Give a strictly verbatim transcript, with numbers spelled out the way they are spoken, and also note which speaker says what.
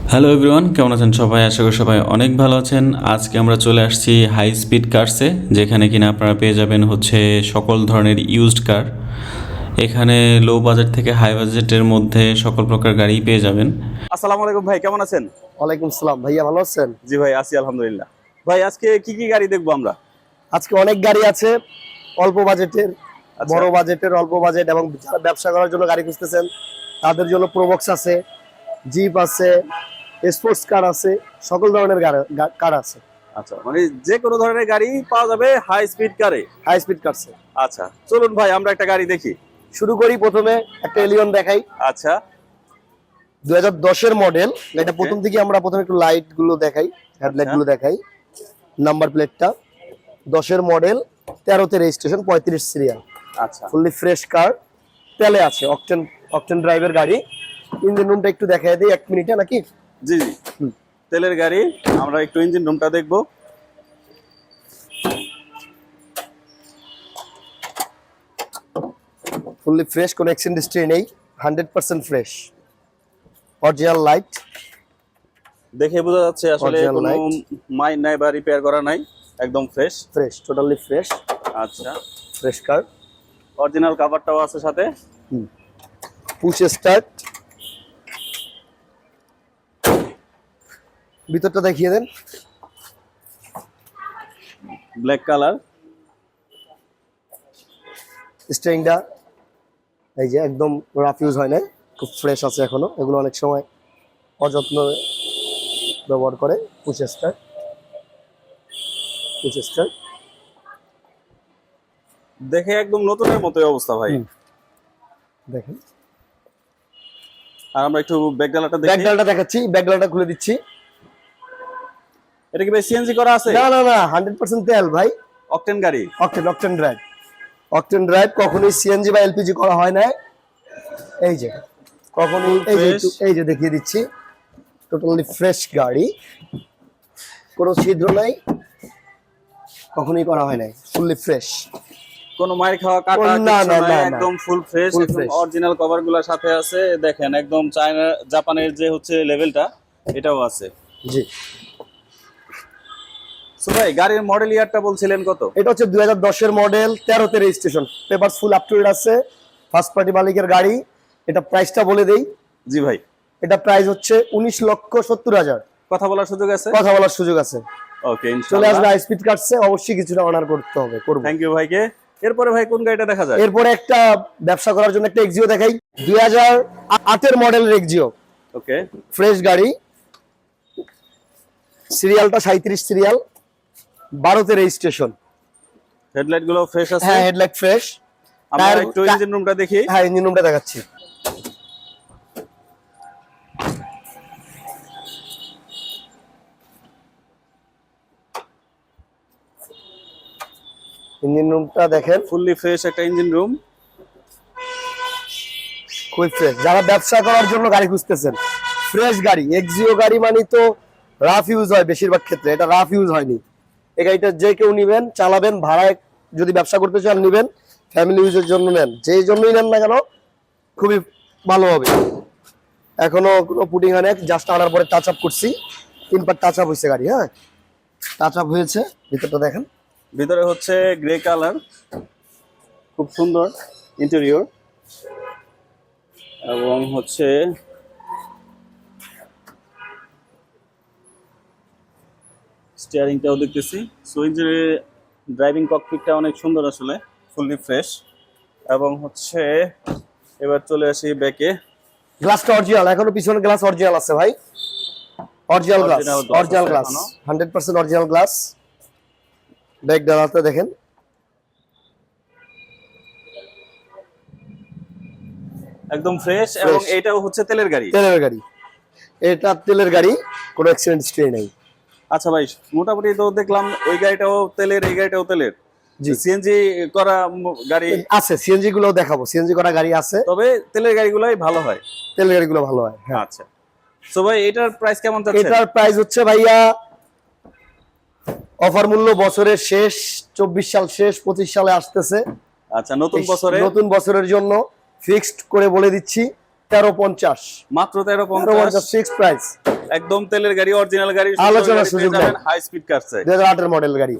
Speaker 1: Hello everyone, কেমন আছেন সবাই? আশা করি সবাই অনেক ভালো আছেন। আজকে আমরা চলে আসছি হাই স্পিড কার্সে, যেখানে কিনা আপনারা পেয়ে যাবেন হচ্ছে সকল ধরনের ইউজড কার। এখানে লো বাজেট থেকে হাই বাজেটের মধ্যে সকল প্রকার গাড়ি পেয়ে যাবেন।
Speaker 2: আসসালামু আলাইকুম ভাই, কেমন আছেন?
Speaker 3: ওয়ালাইকুম সালাম ভাইয়া, ভালো আছেন?
Speaker 2: জি ভাই, আছি আলহামদুলিল্লাহ। ভাই আজকে কি কি গাড়ি দেখবো আমরা?
Speaker 3: আজকে অনেক গাড়ি আছে, অল্প বাজেটের,
Speaker 2: আচ্ছা।
Speaker 3: বড় বাজেটের, অল্প বাজেট এবং যারা ব্যবসা করার জন্য গাড়ি খুঁজতেছেন তাদের জন্য প্রোবক্স আছে, জিপ আছে, স্পোর্টস কার আছে, সকল ধরনের কার আছে।
Speaker 2: আচ্ছা, মানে যে কোনো ধরনের গাড়ি পাওয়া যাবে হাই স্পিড কারে।
Speaker 3: হাই স্পিড কারসে।
Speaker 2: আচ্ছা, চলুন ভাই আমরা একটা গাড়ি দেখি।
Speaker 3: শুরু করি, প্রথমে একটা এলিয়ন দেখাই।
Speaker 2: আচ্ছা,
Speaker 3: দুই হাজার দশের মডেল। এটা প্রথম থেকে আমরা প্রথমে একটু লাইট গুলো দেখাই, হেডলাইট গুলো দেখাই। নাম্বার প্লেটটা দশের মডেল, তেরোতে রেজিস্ট্রেশন, পঁয়ত্রিশ সিরিয়াল।
Speaker 2: আচ্ছা,
Speaker 3: ফুললি ফ্রেশ কার, তেলে আছে, অকটেন অকটেন ড্রাইভের গাড়ি। ইঞ্জিন রুমটা একটু দেখাই দিই এক মিনিটে নাকি?
Speaker 2: জি জি, তেলের গাড়ি। আমরা একটু ইঞ্জিন রুমটা দেখবো।
Speaker 3: ফুললি ফ্রেশ, কোনো অ্যাক্সিডেন্ট হিস্ট্রি নেই, hundred percent fresh. Original light
Speaker 2: দেখে বোঝা যাচ্ছে আসলে
Speaker 3: Original
Speaker 2: কোনো
Speaker 3: light।
Speaker 2: মাইন নাই বা রিপেয়ার করা নাই, একদম ফ্রেশ।
Speaker 3: ফ্রেশ, টোটালি ফ্রেশ,
Speaker 2: আচ্ছা,
Speaker 3: ফ্রেশ কার।
Speaker 2: অরিজিনাল কভারটাও আছে সাথে।
Speaker 3: Push start. ভিতরটা দেখিয়ে দেন।
Speaker 2: Black colour.
Speaker 3: স্টিয়ারিংটা এই যে একদম রাফ ইউজ হয় না, খুব ফ্রেশ আছে এখনো। এগুলো অনেক সময় অযত্ন ব্যবহার করে। পুশ স্টার্ট, পুশ স্টার্ট
Speaker 2: দেখে একদম নতুনের মতোই অবস্থা ভাই।
Speaker 3: দেখেন।
Speaker 2: আর আমরা একটু ব্যাকডালাটা দেখি।
Speaker 3: ব্যাকডালাটা দেখাচ্ছি, ব্যাকডালাটা খুলে দিচ্ছি।
Speaker 2: এটা কি ভাই সিএনজি করা আছে?
Speaker 3: না না না, হান্ড্রেড পার্সেন্ট তেল ভাই,
Speaker 2: অকটেন গাড়ি।
Speaker 3: Octane octane drive. Octane drive কখনোই সিএনজি বা এলপিজি করা হয় না। এই যে কখনোই, এই যে একটু- এই যে দেখিয়ে দিচ্ছি, টোটালি ফ্রেশ গাড়ি, কোনো ছিদ্র নাই, কখনোই করা হয় নাই, ফুললি ফ্রেশ।
Speaker 2: কোনো মাইর খাওয়া কাটা
Speaker 3: না,
Speaker 2: কিছু
Speaker 3: না,
Speaker 2: নাই,
Speaker 3: না, না।
Speaker 2: একদম ফুল ফ্রেশ,
Speaker 3: Full
Speaker 2: একদম
Speaker 3: fresh।
Speaker 2: অরিজিনাল কভার গুলো সাথে আছে। দেখেন একদম চায়না জাপানের যে হচ্ছে লেভেলটা, এটাও আছে।
Speaker 3: জি,
Speaker 2: সো ভাই গাড়ির মডেল ইয়ারটা বলছিলেন কত?
Speaker 3: এটা হচ্ছে দুই হাজার দশের মডেল, তেরোতে registration, papers full up to date আছে, ফার্স্ট পার্টি মালিকের গাড়ি। এটা প্রাইসটা বলে দেই।
Speaker 2: জি ভাই।
Speaker 3: এটা প্রাইস হচ্ছে উনিশ লক্ষ সত্তর হাজার।
Speaker 2: কথা বলার সুযোগ আছে?
Speaker 3: কথা বলার সুযোগ আছে।
Speaker 2: ওকে,
Speaker 3: চলে
Speaker 2: ইনশাআল্লাহ।
Speaker 3: আসবে হাই স্পিড কাটছে, অবশ্যই কিছুটা অনার করতে হবে, করব।
Speaker 2: থ্যাংক ইউ ভাইকে। এরপরে ভাই কোন গাড়িটা দেখা যায়?
Speaker 3: এরপরে একটা ব্যবসা করার জন্য একটা এক্সিও দেখাই। দুই হাজার আটের মডেলের এক্সিও,
Speaker 2: ওকে,
Speaker 3: ফ্রেশ গাড়ি, সিরিয়ালটা সাঁইত্রিশ সিরিয়াল, বারোতে রেজিস্ট্রেশন।
Speaker 2: হেডলাইট গুলো ফ্রেশ আছে।
Speaker 3: হ্যাঁ, হেডলাইট ফ্রেশ।
Speaker 2: আমরা একটু ইঞ্জিন রুমটা দেখি।
Speaker 3: হ্যাঁ, ইঞ্জিন রুমটা দেখাচ্ছি। ইঞ্জিন রুমটা দেখেন,
Speaker 2: ফুললি ফ্রেশ একটা ইঞ্জিন রুম।
Speaker 3: খুবই ফ্রেশ। যারা ব্যবসা করার জন্য গাড়ি খুঁজতেছেন, ফ্রেশ গাড়ি, এক্সিও গাড়ি মানে তো রাফ ইউজ হয় বেশিরভাগ ক্ষেত্রে, এটা রাফ ইউজ হয়নি। এই গাড়িটা যে কেউ নিবেন, চালাবেন, ভাড়ায় যদি ব্যবসা করতে চান নিবেন, ফ্যামিলি ইউজের জন্য নেন, যেই জন্যই নেন না কেন খুবই ভালো হবে। এখনো কোনো পুটিং হয় না, জাস্ট আনার পরে টাচ আপ করছি, তিন পার টাচ আপ হয়েছে গাড়ি। হ্যাঁ, টাচ আপ হয়েছে। ভিতরটা দেখেন।
Speaker 2: ভিতরে হচ্ছে গ্রে কালার, খুব সুন্দর ইন্টেরিয়র। এবং হচ্ছে স্টিয়ারিংটাও দেখতেছি। সো ইঞ্জিনের ড্রাইভিং ককপিটটা অনেক সুন্দর আসলে, ফুললি ফ্রেশ। এবং হচ্ছে এবার চলে আসি ব্যাকে।
Speaker 3: গ্লাসটা অরিজিনাল, এখনো পিছনে গ্লাস অরিজিনাল আছে ভাই, original glass,
Speaker 2: Original glass
Speaker 3: original
Speaker 2: আছে
Speaker 3: গ্লাস,
Speaker 2: এখনো।
Speaker 3: Hundred percent original glass. Back ডালাতে দেখেন,
Speaker 2: একদম ফ্রেশ। এবং এটাও হচ্ছে তেলের গাড়ি।
Speaker 3: তেলের গাড়ি, এটা তেলের গাড়ি, কোনো অ্যাক্সিডেন্ট হিস্ট্রি নেই।
Speaker 2: আচ্ছা ভাই, মোটামুটি তো দেখলাম ওই গাড়িটাও তেলের, এই গাড়িটাও তেলের।
Speaker 3: জি,
Speaker 2: সিএনজি করা ম- গাড়ি
Speaker 3: আছে, সিএনজি গুলো দেখাবো, সিএনজি করা গাড়ি আছে,
Speaker 2: তবে তেলের গাড়িগুলোই ভালো হয়।
Speaker 3: তেলের গাড়িগুলো ভালো হয়। হ্যাঁ,
Speaker 2: আচ্ছা, সো ভাই এটার প্রাইস কেমন যাচ্ছে?
Speaker 3: এটার প্রাইস হচ্ছে ভাইয়া অফার মূল্য, বছরের শেষ, চব্বিশ সাল শেষ, পঁচিশ সালে আসতেছে।
Speaker 2: আচ্ছা, নতুন বছরে
Speaker 3: নতুন বছরের জন্য ফিক্সড করে বলে দিচ্ছি তেরো পঞ্চাশ
Speaker 2: মাত্র তেরো
Speaker 3: তেরো
Speaker 2: পঞ্চাশ
Speaker 3: পঞ্চাশ ফিক্স প্রাইস।
Speaker 2: একদম তেলের গাড়ি, অরিজিনাল গাড়ি,
Speaker 3: আলোচনার সুযোগ নাই।
Speaker 2: হাই স্পিড কারসে
Speaker 3: দুই হাজার আটের মডেল গাড়ি।